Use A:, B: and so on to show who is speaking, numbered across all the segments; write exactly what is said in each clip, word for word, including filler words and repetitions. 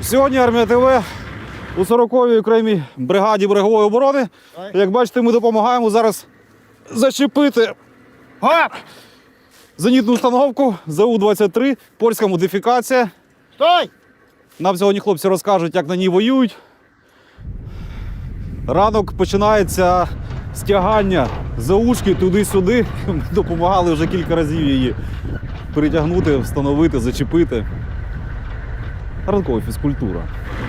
A: Сьогодні Армія ТВ у сороковій окремій бригаді берегової оборони. Як бачите, ми допомагаємо зараз зачепити зенітну установку Зе У двадцять три, польська модифікація.
B: Стой!
A: Нам сьогодні хлопці розкажуть, як на ній воюють. Ранок починається з тягання Зе Ушки туди-сюди. Ми допомагали вже кілька разів її перетягнути, встановити, зачепити. Ранкова фізкультура.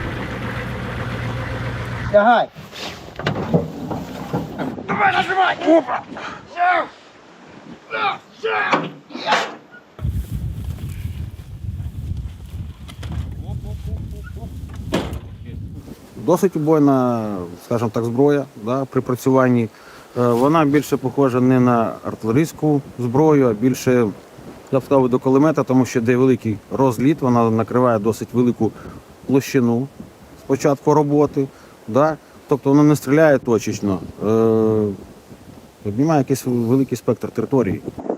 B: Тягай! Давай, нажимай! Опа!
C: Досить убойна, скажімо так, зброя, да, при працюванні. Е, Вона більше похожа не на артилерійську зброю, а більше, я б сказав, до кулемета, тому що де великий розліт, вона накриває досить велику площину з початку роботи. Да. Тобто вона не стріляє точечно, е, обнімає якийсь великий спектр території.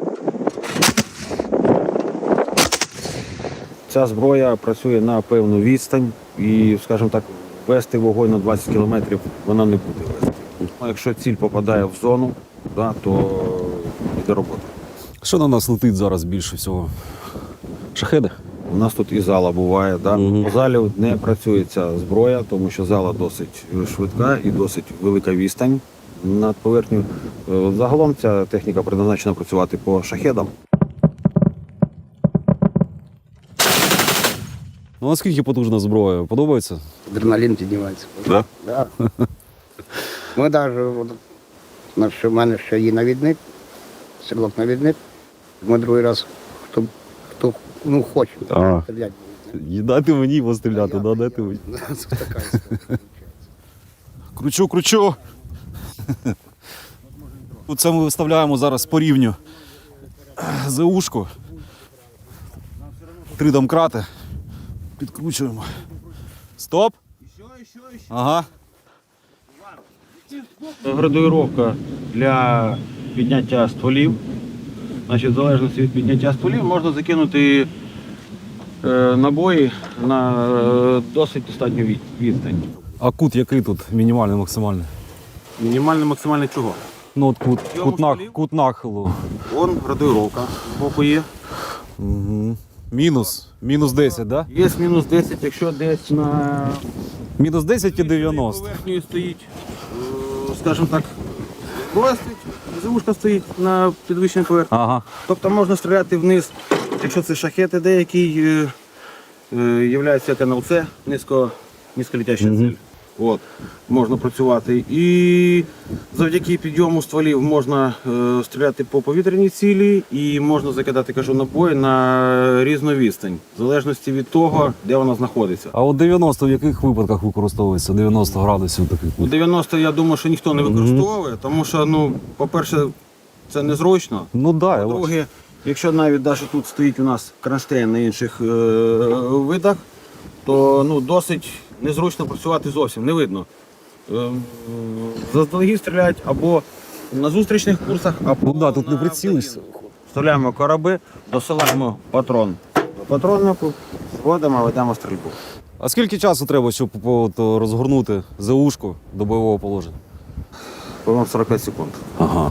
C: Ця зброя працює на певну відстань і, скажімо так, вести вогонь на двадцять кілометрів вона не буде вести. Якщо ціль попадає в зону, да, то йде робота.
A: Що на нас летить зараз більше всього? Шахеди?
C: У нас тут і зала буває. Да.
A: Угу.
C: По залі не працює ця зброя, тому що зала досить швидка і досить велика відстань над поверхнею. Загалом ця техніка предназначена працювати по шахедам.
A: Ну, наскільки потужна зброя? Подобається?
B: Адреналін піднімається.
A: Да?
B: Да. Ми навіть, у мене ще є навідник, стрілок-навідник. Ми другий раз, хто, хто ну, хоче,
A: А.
B: стріляти.
A: Дайте мені постріляти, да, дайте мені.
B: Це така історія.
A: Кручу, кручу. Це ми виставляємо зараз по рівню Зе Ушку. Три домкрати. Підкручуємо. Стоп. Ага.
C: Градуїровка для підняття стволів. Значить, в залежності від підняття стволів можна закинути е, набої на е, досить достатню від- відстань.
A: А кут який тут? Мінімальний, максимальний?
C: Мінімальний максимальний чого?
A: Ну от кут,
C: Йому
A: кут, нах,
C: стволів?
A: кут нахилу.
C: Вон градуїровка з боку є.
A: Угу. Мінус. Мінус десять, так? Да?
C: Є мінус десять, якщо десь на
A: Мінус десять і дев'яносто.
C: поверхні стоїть, е, скажімо так, зброя стоїть, завушка стоїть на підвищеній поверхні.
A: Ага.
C: Тобто можна стріляти вниз, якщо це шахети деякі, е, е, являється як ен ел це, низько, низьколетяща
A: Мгм.
C: ціль. От, можна працювати. І завдяки підйому стволів можна е, стріляти по повітряній цілі і можна закидати, кажу, набої на різну відстань, в залежності від того, де вона знаходиться.
A: А от дев'яносто в яких випадках використовується? дев'яносто градусів такий
C: У
A: кут.
C: дев'яносто, я думаю, що ніхто не використовує, тому що, ну, по-перше, це незручно.
A: Ну так, да, я бачу.
C: По-друге, якщо навіть навіть тут стоїть у нас кронштейн на інших е, видах, то ну, досить незручно працювати зовсім, не видно. Е, заздалегідь стріляють або на зустрічних курсах, або
A: Ну да, тут
C: на
A: не прицілишся.
C: вставляємо кораби, досилаємо патрон до патроннику, зводимо, ведемо стрільбу.
A: А скільки часу треба, щоб от, розгорнути Зе Ушку до бойового положення?
C: По-моєму, сорок п'ять секунд.
A: Ага.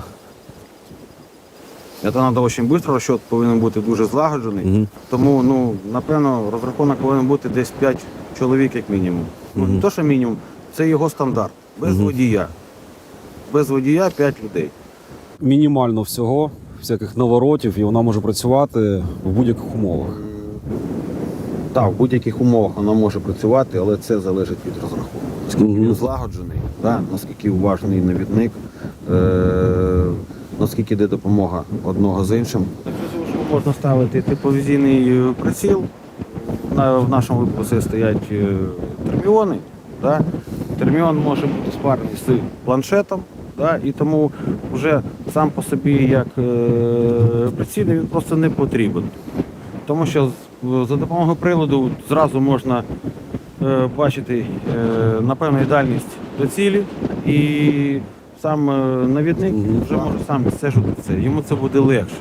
C: Це треба дуже швидко, розчот повинен бути дуже злагоджений.
A: Угу.
C: Тому, ну, напевно, розрахунок повинен бути десь п'ять чоловік як мінімум. Ну,
A: Мгм.
C: не то, що мінімум, це його стандарт. Без
A: Мгм.
C: водія. Без водія п'ять людей.
A: Мінімально всього, всяких наворотів, і вона може працювати в будь-яких умовах.
C: Так, в будь-яких умовах вона може працювати, але це залежить від розрахунку. Наскільки
A: Мгм.
C: він злагоджений, да, наскільки уважний навідник, е- наскільки йде допомога одного з іншим. Можна ставити тепловізійний приціл. На, в нашому випадку це стоять е, терміони. Да? Терміон може бути спарений з планшетом, да? І тому вже сам по собі як е, приціл він просто не потрібен. Тому що з- за допомогою приладу зразу можна е, бачити е, напевну дальність до цілі, і сам е, навідник
A: Мгм.
C: вже може сам відстежувати це. Йому це буде легше.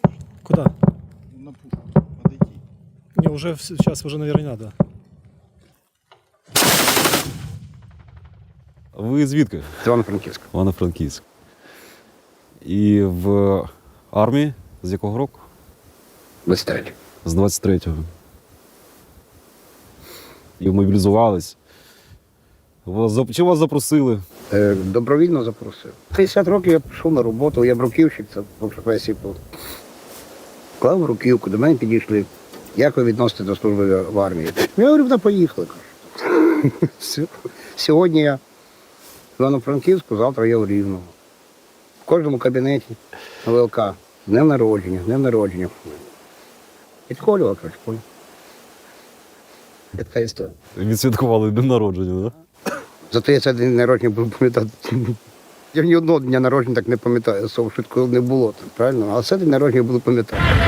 D: Куда? Не, уже сейчас уже, наверное, не надо.
A: Ви звідки?
B: З Івано-Франківська.
A: Івано-Франківськ. І в армії з якого року?
B: двадцять третє.
A: З двадцять третього. І мобілізувались. Вас, зап- чи вас запросили?
B: Е, Добровільно запросив. п'ятдесят років я пішов на роботу, я бруківщик, це по професії був. Клав руківку, до мене підійшли. Як ви відносите до служби в армії? Я говорю, да поїхали. кажу. Все. Сьогодні я в Івано-Франківську, завтра я в Рівному. В кожному кабінеті на ВЛК. Днем народження, днем народження. Підколював, кажу, понял. Така історія.
A: Відсвяткували день народження, так?
B: Зато я цей день народження буду пам'ятати. Я ні одного дня народження так не пам'ятаю, що швидко не було, правильно? А цей день народження буду пам'ятати.